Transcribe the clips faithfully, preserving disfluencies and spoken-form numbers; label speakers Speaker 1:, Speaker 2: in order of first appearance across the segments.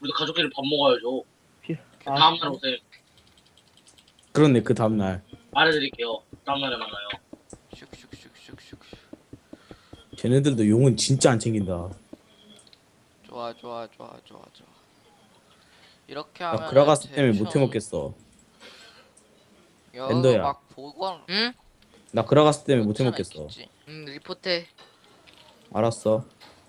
Speaker 1: 우리 가족끼리 밥 먹어야죠.
Speaker 2: 피-
Speaker 1: 그
Speaker 2: 아,
Speaker 1: 다음날 오세요.
Speaker 3: 그렇네 그 다음날.
Speaker 1: 말해드릴게요. 다음날에 만나요.
Speaker 4: 슉슉슉슉슉.
Speaker 3: 쟤네들도 용은 진짜 안 챙긴다.
Speaker 4: 좋아 좋아 좋아 좋아 좋아. 이렇게
Speaker 3: 나
Speaker 4: 하면
Speaker 3: 그라가스 때문에 못 해먹겠어. 엔더야.
Speaker 4: 막 보관.
Speaker 5: 응?
Speaker 3: 나 그라가스 때문에 못 해먹겠어.
Speaker 5: 응 리포트.
Speaker 3: 알았어.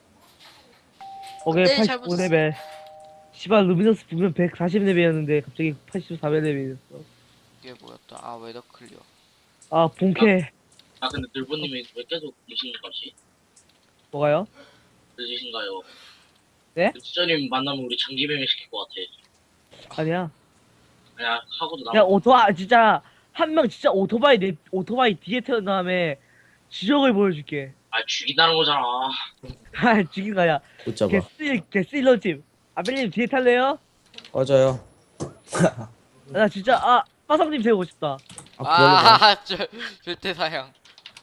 Speaker 2: 오케이,
Speaker 5: 네, 잘
Speaker 2: 팔십오 레벨. 씨발, 루미너스 보면 백사십 레벨이었는데, 갑자기 팔십사 레벨이었어.
Speaker 4: 이게 뭐였다? 아 웨더 클리어.
Speaker 2: 아, 본캐.
Speaker 1: 아 근데 늘보님이 왜 계속 늦으신 거지?
Speaker 2: 뭐가요?
Speaker 1: 늦으신가요?
Speaker 2: 네?
Speaker 1: 수저님 만나면 우리 장기배미 시킬 것 같아.
Speaker 2: 아니야.
Speaker 1: 그냥 하고도
Speaker 2: 야,
Speaker 1: 남.
Speaker 2: 오토바, 진짜, 한 명 진짜 오토바이, 내, 오토바이 뒤에 태운 다음에, 지적을 보여줄게.
Speaker 1: 아 죽인다는 거잖아.
Speaker 2: 아, 죽인 거야.
Speaker 3: 못 잡아.
Speaker 2: 개쓰, 개쓰일러집. 아벨님 뒤에 탈래요?
Speaker 3: 꺼져요.
Speaker 2: 나 진짜, 아, 빠성님 재고 싶다.
Speaker 3: 아 그러려고.
Speaker 4: 아저 절대 사양.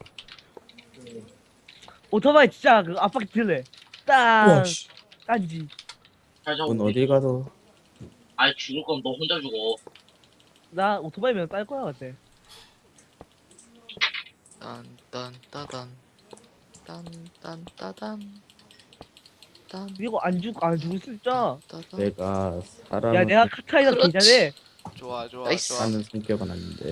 Speaker 2: 오토바이 진짜, 그, 앞바퀴 틀래. 딱,
Speaker 3: 우와 씨.
Speaker 2: 딴지.
Speaker 1: 잘 잡고.
Speaker 3: 넌 어딜 가도.
Speaker 1: 아이 죽을 거면 너 혼자 죽어.
Speaker 2: 나 오토바이면 딸 거야, 같아.
Speaker 5: 딴딴따단. 딴딴따단. 딴.
Speaker 2: 그리고 안 죽, 안 죽을 수 있죠?
Speaker 5: 따단.
Speaker 3: 내가 사람.
Speaker 2: 야, 내가 카타이가
Speaker 5: 그렇지.
Speaker 2: 괜찮네.
Speaker 4: 좋아 좋아
Speaker 5: 나이스.
Speaker 4: 좋아.
Speaker 3: 하는 성격은 아닌데.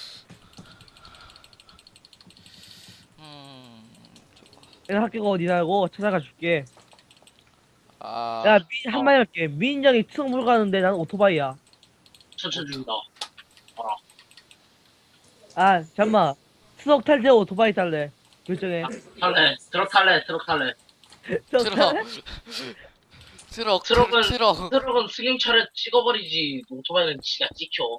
Speaker 4: 음. 좋아.
Speaker 2: 내가 학교가 어디냐고 찾아가 줄게.
Speaker 4: 아.
Speaker 2: 야, 미, 한마디 할게. 민정이 트럭 몰고 가는데 나는 오토바이야.
Speaker 1: 천천히 죽인다.
Speaker 2: 아, 잠만. 트럭 탈래, 오토바이 탈래. 결정해.
Speaker 1: 탈래. 트럭 탈래. 트럭 탈래.
Speaker 2: 트럭
Speaker 4: 트럭.
Speaker 2: 탈래?
Speaker 4: 트럭
Speaker 1: 트럭은-
Speaker 4: 트럭.
Speaker 1: 트럭은 승용차를 찍어버리지. 오토바이는 지가 찍혀.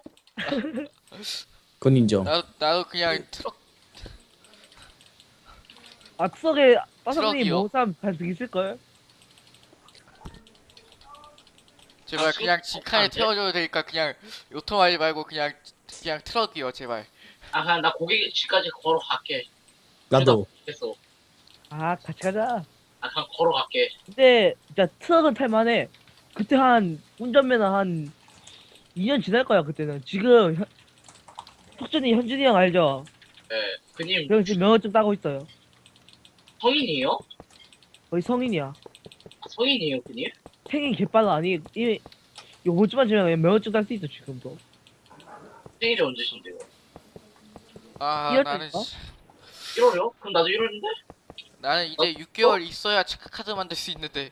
Speaker 3: 그건 인정.
Speaker 4: 나도 나도 그냥 트럭.
Speaker 2: 아, 트럭에 빠삭님
Speaker 4: 트럭이요?
Speaker 2: 먹은 사람 반득 있을걸?
Speaker 4: 제발
Speaker 1: 아,
Speaker 4: 그냥
Speaker 1: 수-
Speaker 4: 직칸에
Speaker 1: 안 돼?
Speaker 4: 태워줘도 되니까 그냥 오토바이 말고 그냥 그냥 트럭이요 제발.
Speaker 1: 아 그냥 나 고객집까지 걸어갈게.
Speaker 3: 나도.
Speaker 1: 됐어.
Speaker 2: 아, 같이 가자.
Speaker 1: 아 그냥 걸어갈게.
Speaker 2: 근데, 진짜 트럭은 탈만해. 그때 한, 운전면허 한, 이 년 지날 거야, 그때는. 지금, 현, 혁준이, 현준이 형 알죠?
Speaker 1: 네. 그님
Speaker 2: 형 지금 면허증 따고 있어요.
Speaker 1: 성인이에요?
Speaker 2: 거의 성인이야.
Speaker 1: 아, 성인이에요 그님?
Speaker 2: 생일 개빨라. 아니, 이, 요번 주만 지나면 면허증 딸 수 있어, 지금도.
Speaker 1: 생일이 언제신데요?
Speaker 4: 아
Speaker 2: 이럴
Speaker 4: 나는
Speaker 2: 때인가?
Speaker 4: 씨-
Speaker 1: 일월이요? 그럼 나도 일월인데?
Speaker 4: 나는 이제 육 개월 있어야 체크카드 만들 수 있는데.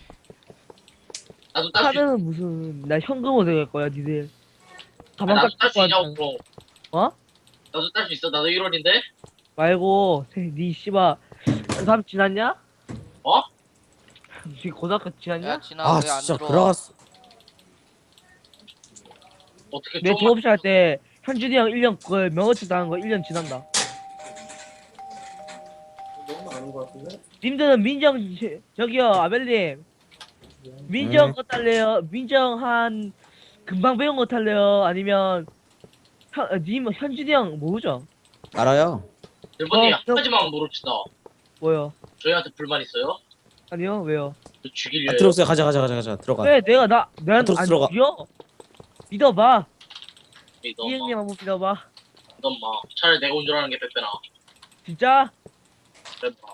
Speaker 1: 나도 딸 수 있...
Speaker 2: 카드는 무슨, 나 현금으로 될 거야, 니들. 가방
Speaker 1: 나도
Speaker 2: 깎고
Speaker 1: 딸 수 있냐고
Speaker 2: 왔잖아.
Speaker 1: 그럼.
Speaker 2: 어?
Speaker 1: 나도 딸 수 있어. 나도 일월인데?
Speaker 2: 말고, 니 씨발, 고삼 지났냐?
Speaker 1: 어?
Speaker 2: 니 고등학교 지났냐?
Speaker 4: 야 진아
Speaker 3: 아
Speaker 4: 왜 안
Speaker 3: 진짜
Speaker 4: 들어?
Speaker 3: 그라가스.
Speaker 1: 어떻게
Speaker 2: 내
Speaker 1: 좀
Speaker 2: 졸업식 할 때, 현준이 형 일 년, 그, 명어치 당한 거 일 년 지난다. 님들은 민정, 저기요, 아벨님. 민정
Speaker 3: 음.
Speaker 2: 거 탈래요? 민정 한, 금방 배운 거 탈래요? 아니면, 현, 어, 님, 현준이 형 모르죠?
Speaker 3: 알아요.
Speaker 1: 일본님
Speaker 2: 어,
Speaker 1: 한 가지만 물읍시다.
Speaker 2: 뭐요?
Speaker 1: 저희한테 불만 있어요?
Speaker 2: 아니요, 왜요?
Speaker 1: 저 죽일래요.
Speaker 3: 아, 들어오세요. 가자 가자 가자 가자 들어가.
Speaker 2: 왜 내가 나, 난
Speaker 3: 들어가,
Speaker 2: 안
Speaker 3: 들어가.
Speaker 2: 죽여? 믿어봐.
Speaker 1: 믿어
Speaker 2: 이
Speaker 1: 마.
Speaker 2: 형님 한번 믿어봐.
Speaker 1: 믿어 마. 차라리 내가 운전하는 게 빼빼나.
Speaker 2: 진짜?
Speaker 1: 그래 마.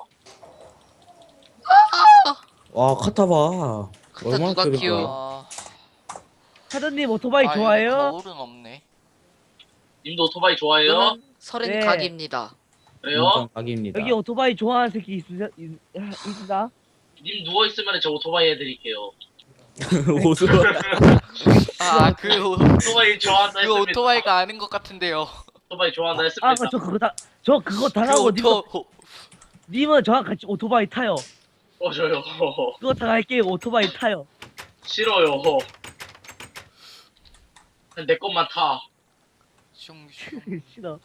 Speaker 3: 와 카타 봐.
Speaker 5: 카타
Speaker 3: 얼마나
Speaker 5: 누가
Speaker 3: 크게
Speaker 5: 키워?
Speaker 3: 봐.
Speaker 4: 아,
Speaker 2: 사장님 오토바이
Speaker 4: 아,
Speaker 2: 좋아해요?
Speaker 4: 여기 거울은 없네.
Speaker 1: 님도 오토바이 좋아해요?
Speaker 5: 저는 서른
Speaker 2: 네.
Speaker 5: 각입니다.
Speaker 1: 그래요?
Speaker 3: 인정 각입니다.
Speaker 2: 여기 오토바이 좋아하는 새끼 있으, 있, 있으다?
Speaker 1: 님 누워있으면 저 오토바이 해드릴게요.
Speaker 3: 오수.
Speaker 4: 아그
Speaker 1: 오토바이 좋아한다
Speaker 4: 그
Speaker 1: 했습니다.
Speaker 4: 오토바이가 아닌 것 같은데요.
Speaker 1: 오토바이 좋아한다 했습니다.
Speaker 2: 아, 저 그거 다, 저 그거
Speaker 4: 그
Speaker 2: 당하고 님은,
Speaker 4: 오토
Speaker 2: 님은 저랑 같이 오토바이 타요.
Speaker 1: 어 저요.
Speaker 2: 그거 당할게요, 오토바이 타요.
Speaker 1: 싫어요. 그냥 내 것만 타.
Speaker 4: 슝슝.
Speaker 2: 싫어.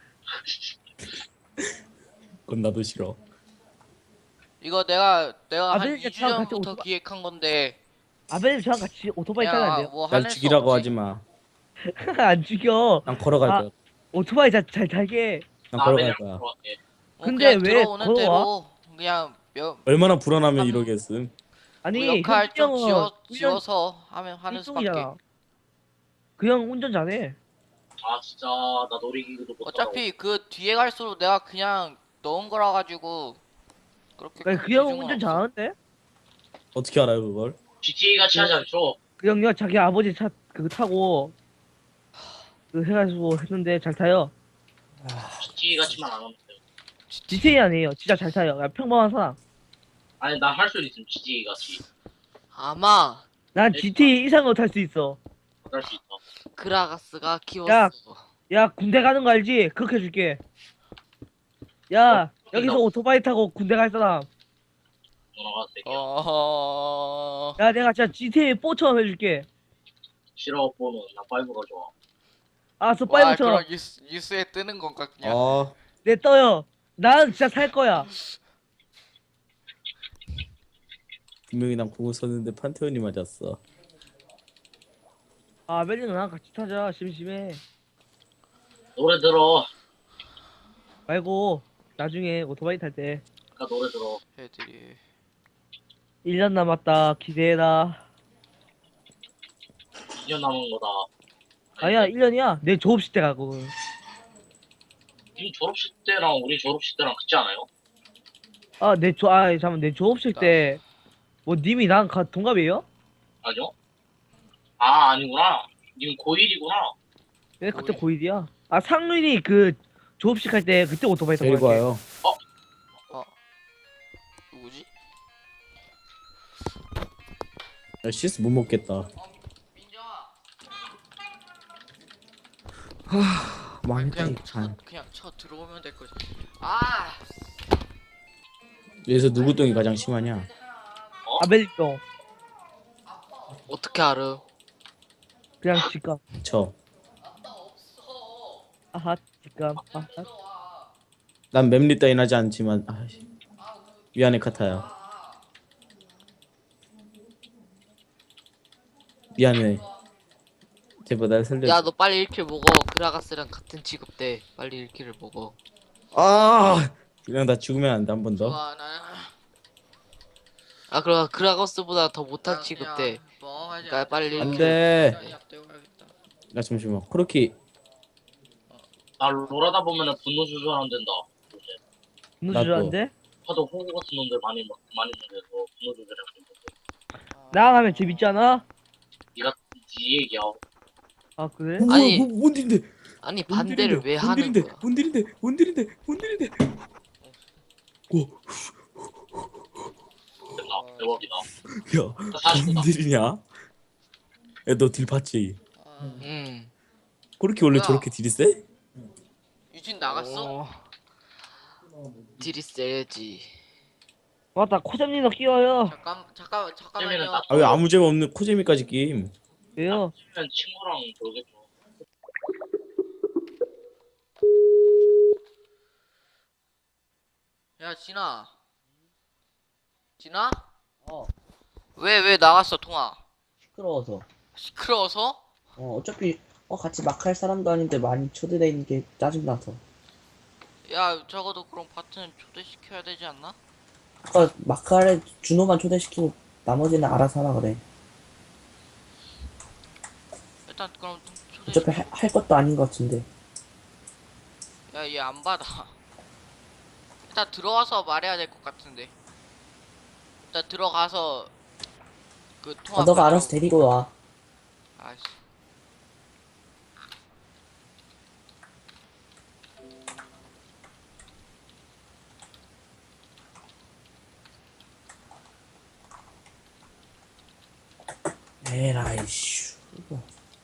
Speaker 3: 그건 나도 싫어.
Speaker 4: 이거 내가 내가
Speaker 2: 아,
Speaker 4: 한
Speaker 2: 근데
Speaker 4: 이 주
Speaker 2: 저랑 같이
Speaker 4: 전부터
Speaker 2: 오토바-
Speaker 4: 기획한 건데.
Speaker 2: 아벨님 저랑 같이 오토바이 타면 안 돼요?
Speaker 4: 뭐
Speaker 3: 날
Speaker 4: 화낼 수
Speaker 3: 죽이라고
Speaker 4: 없지.
Speaker 3: 하지 마.
Speaker 2: 안 죽여.
Speaker 3: 난 걸어갈
Speaker 2: 아,
Speaker 3: 거야.
Speaker 2: 오토바이 잘, 잘 탈게.
Speaker 3: 난
Speaker 1: 나
Speaker 3: 걸어갈
Speaker 1: 맨날
Speaker 3: 거야.
Speaker 1: 걸어갈게.
Speaker 4: 뭐
Speaker 2: 근데
Speaker 4: 그냥
Speaker 2: 왜
Speaker 4: 들어오는
Speaker 2: 걸어와?
Speaker 4: 대로 그냥 몇
Speaker 3: 얼마나 불안하면
Speaker 4: 한-
Speaker 3: 이러겠음.
Speaker 2: 아니
Speaker 4: 그 역할
Speaker 2: 현진이
Speaker 4: 좀
Speaker 2: 형은
Speaker 4: 지워,
Speaker 2: 훈련
Speaker 4: 지워서 하면 하는 수밖에.
Speaker 2: 일종이잖아. 그 형 운전 잘해.
Speaker 1: 아 진짜 나 놀이기구도 못 타고.
Speaker 4: 어차피 그 뒤에 갈수록 내가 그냥 넣은 거라 가지고 그렇게
Speaker 2: 그래,
Speaker 4: 큰
Speaker 2: 그 형
Speaker 4: 비중은
Speaker 2: 운전
Speaker 4: 없어.
Speaker 2: 잘하는데?
Speaker 3: 어떻게 알아요 그걸?
Speaker 1: 지티에이 같이 하지 않죠?
Speaker 2: 그 형요 자기 아버지 차 그거 타고 그 해가지고 했는데 잘 타요.
Speaker 1: 지티에이 같이만 안 하면 돼.
Speaker 2: 지티에이 아니에요. 진짜 잘 타요. 그냥 평범한 사람.
Speaker 1: 아니 나 할 수 있음 지티에이 같이.
Speaker 5: 아마
Speaker 2: 난 지티에이 이상으로 탈 수 있어.
Speaker 1: 할 수 있다.
Speaker 5: 그라가스가 키웠어.
Speaker 2: 야. 야 군대 가는 거 알지? 그렇게 해줄게. 야 여기서 오토바이 타고 군대 갈 사람.
Speaker 1: 전화가 되게
Speaker 4: 어.
Speaker 2: 야 내가 진짜 지티에이 사처럼 해줄게.
Speaker 1: 싫어 보는 나 파이브가 좋아.
Speaker 2: 알았어
Speaker 4: 와,
Speaker 2: 파이브처럼.
Speaker 4: 그럼 뉴스, 뉴스에 뜨는 건가 그냥.
Speaker 3: 아
Speaker 2: 내 떠요. 난 진짜 살 거야.
Speaker 3: 분명히 난 공을 썼는데 판테온이 맞았어.
Speaker 2: 아 멜리는 나랑 같이 타자. 심심해.
Speaker 1: 노래 들어.
Speaker 2: 말고 나중에 오토바이 탈 때.
Speaker 1: 아까 노래 들어.
Speaker 4: 애들이.
Speaker 2: 일 년 남았다. 기대해라.
Speaker 1: 이 년 남은 거다.
Speaker 2: 아니야 일 년이야. 내 졸업식 때 가고.
Speaker 1: 님 졸업식 때랑 우리 졸업식 때랑 같지 않아요?
Speaker 2: 아내 조, 아 잠깐 내 졸업식 때 뭐 님이 나랑 가, 동갑이에요?
Speaker 1: 아니요? 아 아니구나. 님 고일이구나.
Speaker 2: 네 그때
Speaker 4: 고일.
Speaker 2: 고일이야. 아 상륜이 그 졸업식 할 때 그때 오토바이 타고
Speaker 3: 데리고
Speaker 2: 갈게.
Speaker 3: 와요.
Speaker 4: 누구지?
Speaker 3: 야, 시스 못 먹겠다.
Speaker 4: 어, 민정아.
Speaker 3: 망했다
Speaker 4: 그냥
Speaker 3: 이거.
Speaker 4: 쳐, 그냥 쳐 들어오면 될 거지. 아.
Speaker 3: 여기서 누구 똥이 가장 심하냐?
Speaker 2: 아벨리똥
Speaker 5: 어떻게 알아?
Speaker 2: 그냥 직감.
Speaker 3: 저.
Speaker 2: 아하 직감. 아하.
Speaker 3: 난 맵리 따윈 하지 않지만 아이씨. 미안해 카타야. 미안해. 제발 날 살려.
Speaker 5: 야 너 빨리 일 킬 먹어. 그라가스랑 같은 취급돼. 빨리 일 킬을 먹어.
Speaker 3: 아 그냥 나 죽으면 안 돼 한 번 더.
Speaker 4: 좋아 나.
Speaker 5: 아 그럼 그라가스보다 더 못한
Speaker 4: 나
Speaker 5: 취급돼.
Speaker 4: 그냥 뭐 하지
Speaker 5: 그러니까 빨리
Speaker 3: 안
Speaker 5: 일 킬.
Speaker 3: 돼.
Speaker 4: 그냥 약 가야겠다.
Speaker 3: 나 잠시만. 코르키
Speaker 1: 나 롤하다 보면은 분노 조절 안 된다. 요새.
Speaker 2: 분노
Speaker 3: 나도.
Speaker 2: 조절한데?
Speaker 1: 하도 호구 같은 놈들 많이 막 많이 있는데서 분노 조절이 안 된다.
Speaker 2: 나랑 하면 재밌지 않아?
Speaker 1: 니가 니 얘기야.
Speaker 2: 아 그래?
Speaker 3: 뭐,
Speaker 5: 아니,
Speaker 3: 뭐, 뭔 일인데?
Speaker 5: 아니 반대를 왜
Speaker 3: 뭔
Speaker 5: 하는
Speaker 3: 일인데?
Speaker 5: 거야?
Speaker 3: 뭔 일인데? 뭔 일인데? 뭔 일인데? 오,
Speaker 1: 됐다. 대박이다.
Speaker 3: 야,
Speaker 1: 나 사십구다.
Speaker 3: 뭔 일이냐? 야, 너 딜 봤지?
Speaker 4: 아,
Speaker 5: 응.
Speaker 3: 코르키 원래
Speaker 4: 뭐야?
Speaker 3: 저렇게 딜이 세?
Speaker 4: 유진 나갔어?
Speaker 5: 어. 딜이 세지.
Speaker 2: 맞다 코잼니너 끼워요.
Speaker 4: 잠깐 잠깐
Speaker 1: 잼이는
Speaker 4: 잠깐만요.
Speaker 1: 나
Speaker 3: 아 왜 아무 죄가 없는 코제미까지 게임?
Speaker 2: 왜요?
Speaker 1: 치면 친구랑 놀겠죠.
Speaker 4: 야 진아. 진아?
Speaker 6: 어,
Speaker 4: 왜 왜 나갔어 통화?
Speaker 6: 시끄러워서.
Speaker 4: 시끄러워서?
Speaker 6: 어, 어차피, 어, 같이 막 할 사람도 아닌데 많이 초대돼 있는 게 짜증나서.
Speaker 4: 야 적어도 그럼 파트는 초대시켜야 되지 않나?
Speaker 6: 아까 마카레 준호만 초대시키고 나머지는 알아서 하라 그래.
Speaker 4: 일단 그럼 초대.
Speaker 6: 어차피 할, 할 것도 아닌 것 같은데.
Speaker 4: 야얘 안 받아. 일단 들어와서 말해야 될 것 같은데. 일단 들어가서 그 통화.
Speaker 6: 아, 너가
Speaker 4: 받으라고.
Speaker 6: 알아서 데리고 와.
Speaker 4: 아이씨.
Speaker 6: 에라이, 씨. 이거.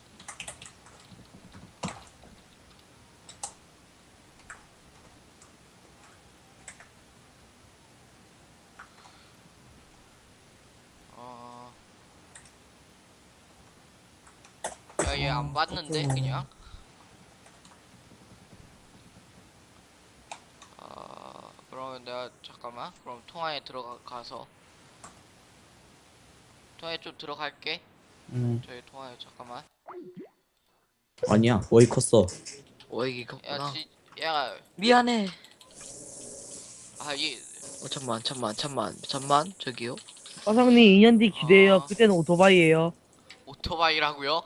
Speaker 4: 어. 야 얘 안 받는데 그냥. 어 그러면 내가 잠깐만. 그럼 통화에 들어가서. 통화에 좀 들어갈게.
Speaker 6: 음.
Speaker 4: 저희 통화에 잠깐만.
Speaker 3: 아니야 워이 컸어.
Speaker 5: 어이기
Speaker 4: 야,
Speaker 5: 컸구나.
Speaker 4: 지, 야,
Speaker 5: 미안해.
Speaker 4: 아, 이,
Speaker 5: 어 잠만 잠만 잠만 잠만 저기요.
Speaker 2: 화성님 이 년 뒤 기대해요.
Speaker 4: 아.
Speaker 2: 그때는 오토바이예요.
Speaker 4: 오토바이라고요?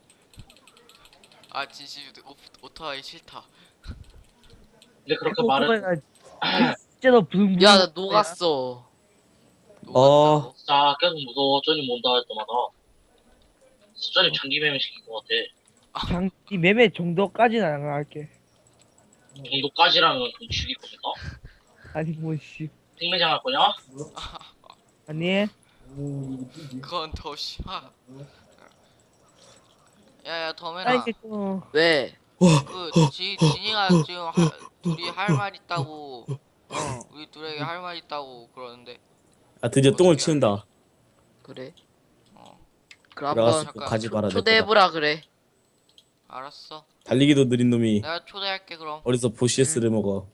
Speaker 4: 아 진심 오, 오토바이 싫다.
Speaker 1: 근데 그렇게 말은
Speaker 2: 오토바이가 진짜로 붕붕.
Speaker 5: 야 나 녹았어.
Speaker 4: 녹았다고?
Speaker 1: 진짜 계속 무서워. 쩌니 몬다 할 때마다. 쩌니 장기 매매 시킨 것 같아.
Speaker 2: 장기 매매 정도까지는 안 할게.
Speaker 1: 정도까지라면 좀 죽일 거니까.
Speaker 2: 아니 뭐씨.
Speaker 1: 생매장 할 거냐?
Speaker 2: 아니
Speaker 4: 그건 더 심하. 야야
Speaker 2: 나
Speaker 4: 더맨아
Speaker 2: 이제 좀
Speaker 5: 왜?
Speaker 4: 그 지, 진이가 지금 하, 둘이 할 말 있다고
Speaker 2: 어.
Speaker 4: 우리 둘에게 할 말 있다고 그러는데
Speaker 3: 아 드디어 똥을
Speaker 4: 어떻게
Speaker 3: 치운다.
Speaker 5: 그래?
Speaker 4: 어
Speaker 5: 그럼
Speaker 3: 들어가서
Speaker 5: 한번
Speaker 4: 잠깐.
Speaker 3: 가지 마라. 내 거다.
Speaker 5: 초대해보라 그래.
Speaker 4: 알았어.
Speaker 3: 달리기도 느린 놈이
Speaker 4: 내가 초대할게 그럼.
Speaker 3: 어디서 보시에스를 먹어.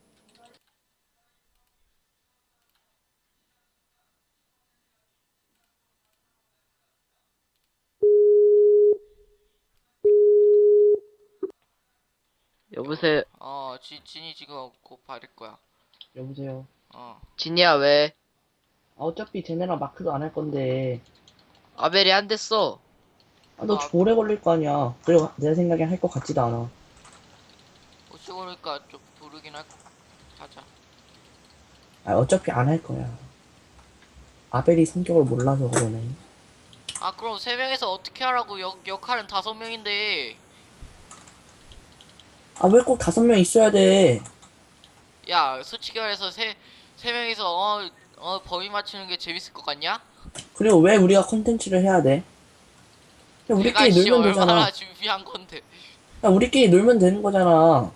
Speaker 5: 여보세요.
Speaker 4: 어 지, 진이 지금 곧 받을 거야.
Speaker 6: 여보세요.
Speaker 4: 어
Speaker 5: 진이야 왜?
Speaker 6: 아, 어차피 쟤네랑 마크도 안 할 건데.
Speaker 5: 아벨이 안 됐어.
Speaker 6: 아, 너
Speaker 4: 아.
Speaker 6: 오래 걸릴 거 아니야. 그리고 내 생각엔 할 것 같지도 않아.
Speaker 4: 어찌 보니까 좀 부르긴 할 하자.
Speaker 6: 아, 어차피 안 할 거야. 아벨이 성격을 몰라서 그러네.
Speaker 4: 아 그럼 세 명에서 어떻게 하라고? 역 역할은 다섯 명인데.
Speaker 6: 아, 왜 꼭 다섯 명 있어야 돼?
Speaker 4: 야 솔직히 말해서 세 세 명이서 어 어 범인 맞추는 게 재밌을 것 같냐?
Speaker 6: 그리고 왜 우리가 컨텐츠를 해야 돼? 그냥
Speaker 4: 내가
Speaker 6: 우리끼리
Speaker 4: 씨
Speaker 6: 놀면 되잖아.
Speaker 4: 얼마나 준비한 건데.
Speaker 6: 그냥 우리끼리 놀면 되는 거잖아.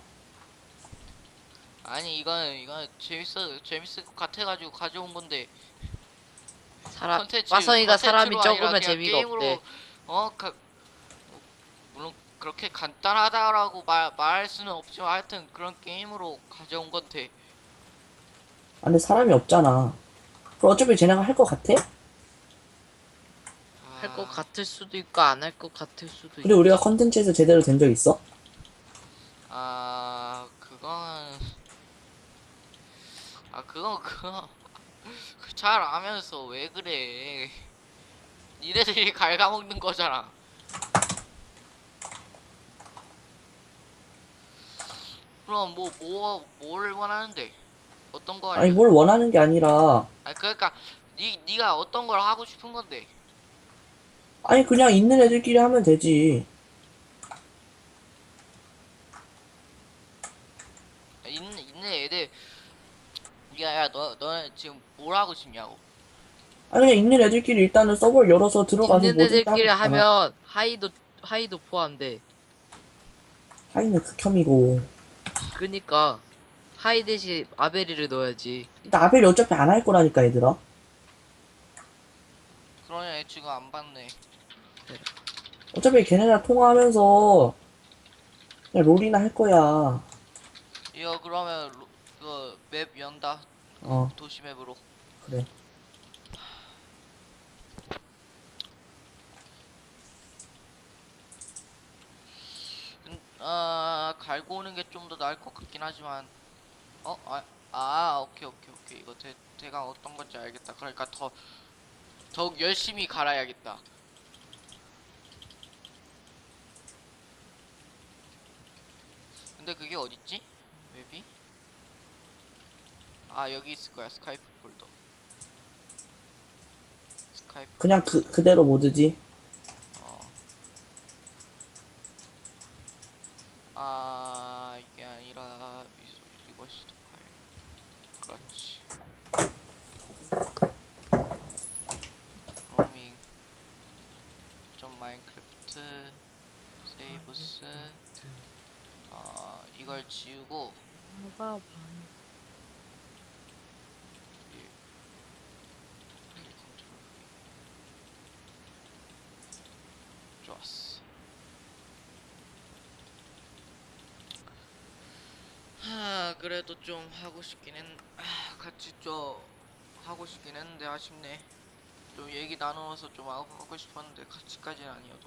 Speaker 4: 아니 이건 이건 재밌어 재밌을 것 같아가지고 가져온 건데.
Speaker 5: 사람
Speaker 4: 컨텐츠,
Speaker 5: 화성이가 사람이
Speaker 4: 컨텐츠로 아니라
Speaker 5: 적으면
Speaker 4: 그냥
Speaker 5: 재미가
Speaker 4: 게임으로,
Speaker 5: 없대.
Speaker 4: 어, 가, 물론 그렇게 간단하다라고 말, 말할 수는 없지만 하여튼 그런 게임으로 가져온 건데.
Speaker 6: 아, 근데 사람이 없잖아. 그럼 어차피 쟤네가 할 것 같아?
Speaker 5: 할 것 같을 수도 있고 안 할 것 같을 수도 있고.
Speaker 6: 그리고 우리가 컨텐츠에서 제대로 된 적 있어?
Speaker 4: 아 그건 아 그건 그거 잘 알면서 왜 그래? 니네들이 갉아먹는 거잖아. 그럼 뭐 뭐 뭘 원하는데? 어떤 거
Speaker 6: 아니,
Speaker 4: 하려?
Speaker 6: 뭘 원하는 게 아니라,
Speaker 4: 아 그러니까 니 니가 어떤 걸 하고 싶은 건데?
Speaker 6: 아니, 그냥 있는 애들끼리 하면 되지.
Speaker 4: 있는 있는 애들 야야 너 너는 지금 뭘 하고 싶냐고?
Speaker 6: 아니, 그냥 있는 애들끼리 일단은 서버를 열어서 들어가서
Speaker 5: 있는
Speaker 6: 뭐든
Speaker 5: 애들끼리
Speaker 6: 하고 있잖아.
Speaker 5: 하면 하이도 하이도 포함돼.
Speaker 6: 하이는 극혐이고.
Speaker 5: 그니까 하이 대신 아벨이를 넣어야지.
Speaker 6: 일단 아벨이 어차피 안 할 거라니까, 얘들아.
Speaker 4: 그러냐 애 지금 안 봤네.
Speaker 6: 어차피 걔네랑 통화하면서 그냥 롤이나 할 거야.
Speaker 4: 이거 그러면 그 맵 연다.
Speaker 6: 어,
Speaker 4: 도시 맵으로.
Speaker 6: 그래.
Speaker 4: 음, 아 갈고 오는 게 좀 더 나을 것 같긴 하지만 어? 아, 아 오케이 오케이 오케이 이거 대, 대강 어떤 건지 알겠다. 그러니까 더 더욱 열심히 갈아야겠다. 근데 그게 어딨지? 맵이? 아 여기 있을 거야. 스카이프 폴더. 스카이프
Speaker 6: 그냥 그, 그대로 모드지.
Speaker 4: 어. 아 이게 아니라 이- 이것이 더 파일. 그렇지. 로밍 좀 마인크래프트 세이브스 어 이걸 지우고 이- 이 컨트롤 V. 좋았어. 하 그래도 좀 하고 싶긴 했 아, 같이 좀 하고 싶긴 했는데 아쉽네. 좀 얘기 나누어서 좀 하고, 하고 싶었는데 같이까지는 아니어도.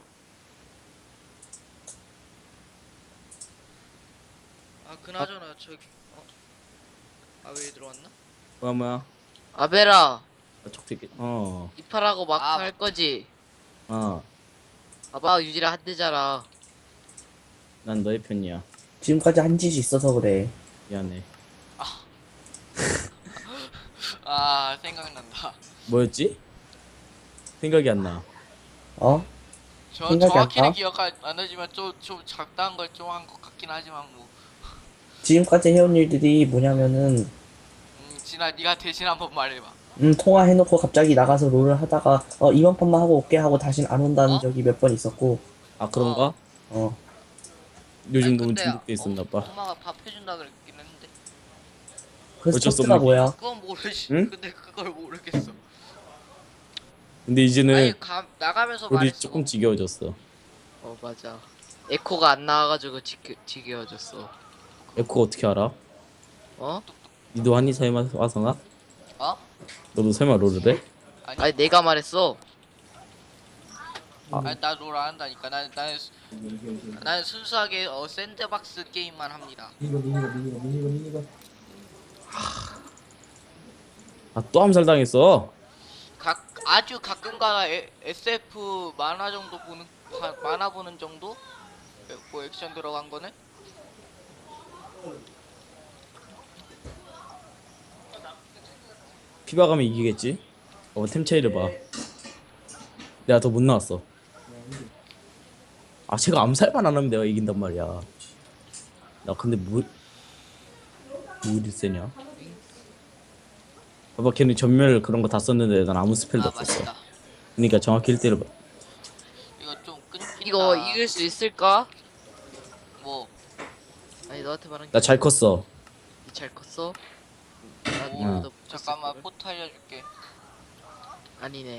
Speaker 4: 아 그나저나 저기 어? 아 왜 들어왔나?
Speaker 3: 뭐야 뭐야.
Speaker 5: 아벨아,
Speaker 3: 촉새끼. 어.
Speaker 5: 이팔하고 마크
Speaker 4: 아.
Speaker 5: 할 거지.
Speaker 3: 어.
Speaker 5: 봐봐 유지라 한 대잖아.
Speaker 3: 난 너의 편이야.
Speaker 6: 지금까지 한 짓이 있어서 그래.
Speaker 3: 미안해.
Speaker 4: 아 생각난다.
Speaker 3: 뭐였지? 생각이 안 나.
Speaker 6: 어?
Speaker 4: 저
Speaker 6: 생각이 안
Speaker 4: 정확히는
Speaker 6: 나?
Speaker 4: 기억 안 나지만 좀 좀 작다한 걸 좀 한 것 같긴 하지만 뭐.
Speaker 6: 지금까지 해온 일들이 뭐냐면은
Speaker 4: 음, 진아 네가 대신 한번 말해봐.
Speaker 6: 음 통화해놓고 갑자기 나가서 롤을 하다가 어 이번 판만 하고 올게 하고 다신 안 온다는
Speaker 4: 어?
Speaker 6: 적이 몇 번 있었고
Speaker 3: 아 그런가?
Speaker 6: 어
Speaker 3: 요즘
Speaker 4: 아니,
Speaker 3: 너무
Speaker 4: 근데
Speaker 3: 중독돼 있었나 봐.
Speaker 4: 엄마가 밥 해준다 그랬긴 했는데.
Speaker 6: 그래서
Speaker 3: 어쩔 수
Speaker 6: 토스가
Speaker 3: 없는
Speaker 6: 뭐야?
Speaker 4: 그건 모르지.
Speaker 3: 응?
Speaker 4: 근데 그걸 모르겠어.
Speaker 3: 근데 이제는
Speaker 4: 아니 가, 나가면서
Speaker 3: 우리
Speaker 4: 말했어.
Speaker 3: 조금 지겨워졌어.
Speaker 5: 어 맞아. 에코가 안 나와가지고 지겨, 지겨워졌어.
Speaker 3: 에코 어떻게 알아?
Speaker 5: 어?
Speaker 3: 니도 한이 설마 와서나?
Speaker 4: 어?
Speaker 3: 너도 설마 롤을 해?
Speaker 4: 아니,
Speaker 5: 아니 내가 말했어.
Speaker 4: 아니 나롤 안 한다니까. 나는 나는 수- 나는 순수하게 어 샌드박스 게임만 합니다.
Speaker 3: 아 또 암살 당했어.
Speaker 4: 각 아주 가끔가다 에- 에스에프 만화 정도 보는 바- 만화 보는 정도? 에- 뭐 액션 들어간 거는?
Speaker 3: 피바 가면 이기겠지? 어 템 차이를 봐. 내가 더 못 나왔어. 아 제가 암살만 안 하면 내가 이긴단 말이야. 나 근데 뭐 뭐 이리 세냐? 봐봐 걔는 전멸 그런 거 다 썼는데 난 아무 스펠도
Speaker 4: 아
Speaker 3: 없었어.
Speaker 4: 맞다.
Speaker 3: 그러니까 정확히 일 대를 봐.
Speaker 4: 이거 좀 끊긴다.
Speaker 5: 이거 이길 수 있을까?
Speaker 4: 뭐
Speaker 5: 아니 너한테 말한
Speaker 3: 나 잘 컸어.
Speaker 5: 게잘 컸어?
Speaker 4: 오,
Speaker 3: 응.
Speaker 5: 나도
Speaker 4: 잠깐만 포트 알려줄게.
Speaker 5: 아니네.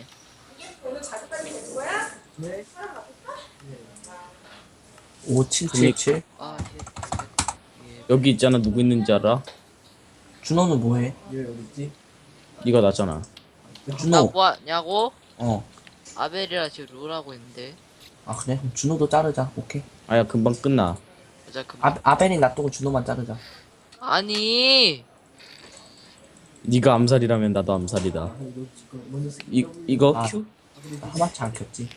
Speaker 6: 오칠칠칠
Speaker 5: 아 예. 예.
Speaker 3: 여기 있잖아 누구 있는지 알아?
Speaker 6: 준호는 뭐해?
Speaker 3: 네가 나잖아.
Speaker 5: 나
Speaker 6: 준호
Speaker 5: 뭐하냐고?
Speaker 6: 어 아
Speaker 5: 아벨이랑 지금 롤하고 있는데.
Speaker 6: 그래? 그럼 준호도 자르자. 오케이.
Speaker 3: 아야 금방 끝나.
Speaker 5: 맞아 금방.
Speaker 6: 아, 아벨이 놔두고 준호만 자르자.
Speaker 5: 아니.
Speaker 3: 네가 암살이라면 나도 암살이다. 이 이거
Speaker 6: 아.
Speaker 3: 큐?
Speaker 6: 하마치 안 켰지.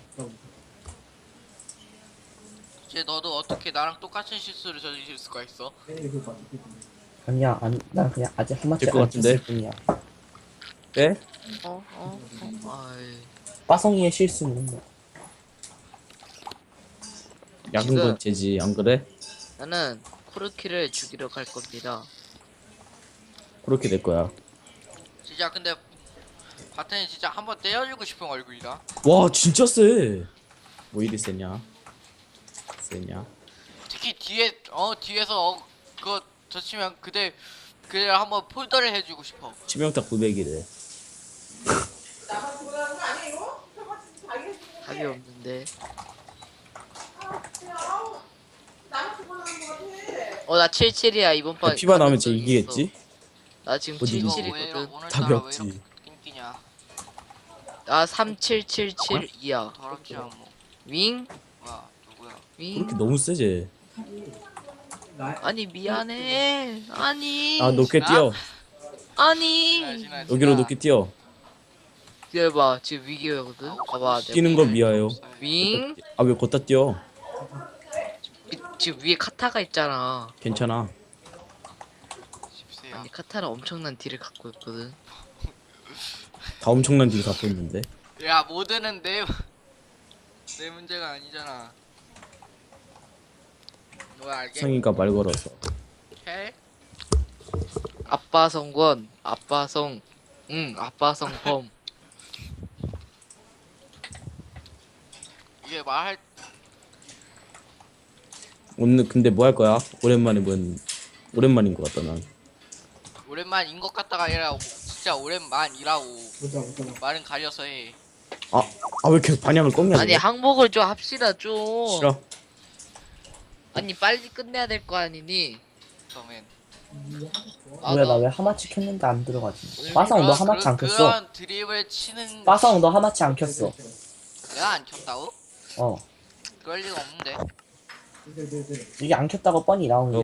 Speaker 4: 이제 너도 어떻게 나랑 똑같은 실수를 저지를 수가 있어?
Speaker 6: 아니야 안, 난 그냥 아직 하마치
Speaker 3: 될것
Speaker 6: 안
Speaker 3: 같은데?
Speaker 6: 켰을 뿐이야.
Speaker 3: 네?
Speaker 5: 어? 어? 어? 아이.
Speaker 6: 빠성이의 실수는 뭐.
Speaker 3: 약은
Speaker 5: 지금-
Speaker 3: 건 죄지 안 그래?
Speaker 5: 나는 코르키를 죽이러 갈 겁니다.
Speaker 3: 그렇게 될 거야.
Speaker 4: 진짜 근데 바텐이 진짜 한번 때려주고 싶은 얼굴이다.
Speaker 3: 와 진짜 세. 뭐 이리 세냐? 세냐?
Speaker 4: 특히 뒤에 어 뒤에서 어, 그거 젖히면 그대 그대 한번 폴더를 해주고 싶어.
Speaker 3: 치명타 구백이래.
Speaker 5: 답이 없는데. 어 나 칠십칠이야 이번 판.
Speaker 3: 피바 나오면 쟤
Speaker 5: 가능성이
Speaker 3: 이기겠지?
Speaker 5: 있어. 나 지금
Speaker 3: 어디
Speaker 4: 이거
Speaker 3: 이기지?
Speaker 4: 왜 이러,
Speaker 5: 칠십칠이거든.
Speaker 4: 오늘따라
Speaker 3: 답이
Speaker 4: 왜
Speaker 3: 없지.
Speaker 4: 이렇게 끊기냐?
Speaker 5: 나 삼칠칠칠이야.
Speaker 4: 더럽지 않뭐.
Speaker 5: 윙?
Speaker 4: 뭐야 누구야?
Speaker 5: 윙?
Speaker 3: 그렇게 너무 세지.
Speaker 5: 아니 미안해. 아니.
Speaker 3: 아 높게 뛰어.
Speaker 5: 아니.
Speaker 4: 지나 지나.
Speaker 3: 여기로 높게 뛰어.
Speaker 5: 기다려봐 지금 위기거든. 봐봐 내가
Speaker 3: 뛰는 거 미아요.
Speaker 5: 윙?
Speaker 3: 아 왜 걷다 뛰어?
Speaker 5: 위- 지금 위에 카타가 있잖아.
Speaker 3: 괜찮아.
Speaker 4: 십세야.
Speaker 5: 아니 카타는 엄청난 딜을 갖고 있거든.
Speaker 3: 다 엄청난 딜 갖고 있는데.
Speaker 4: 야 모드는 내 내 문제가 아니잖아. 너 알게?
Speaker 3: 성이가 말 걸어서.
Speaker 4: 해?
Speaker 5: 아빠 성권, 아빠 성, 응, 아빠 성범.
Speaker 4: 이게 말할
Speaker 3: 오늘 근데 뭐 할 거야? 오랜만에 뭔 오랜만인 것 같다 난.
Speaker 4: 오랜만인 것 같다가 아니라 진짜 오랜만이라고. 말은 가려서 해.
Speaker 3: 아 아 왜 계속 반향을 꺾냐?
Speaker 5: 아니 항목을 좀 합시다 좀.
Speaker 3: 싫어.
Speaker 5: 아니 빨리 끝내야 될 거 아니니?
Speaker 4: 그러면
Speaker 5: 아,
Speaker 6: 뭐야
Speaker 5: 나-
Speaker 6: 나 왜 하마치 켰는데 안 들어가지?
Speaker 5: 오늘
Speaker 6: 빠성 너
Speaker 4: 그런-
Speaker 6: 하마치 안
Speaker 4: 그런-
Speaker 6: 켰어?
Speaker 4: 그런 드립을 치는
Speaker 6: 빠성 너 하마치 안 켰어?
Speaker 4: 내가 안 켰다고?
Speaker 6: 어
Speaker 4: 그럴 리가 없는데.
Speaker 6: 이게 안 켰다고 뻔히 나오는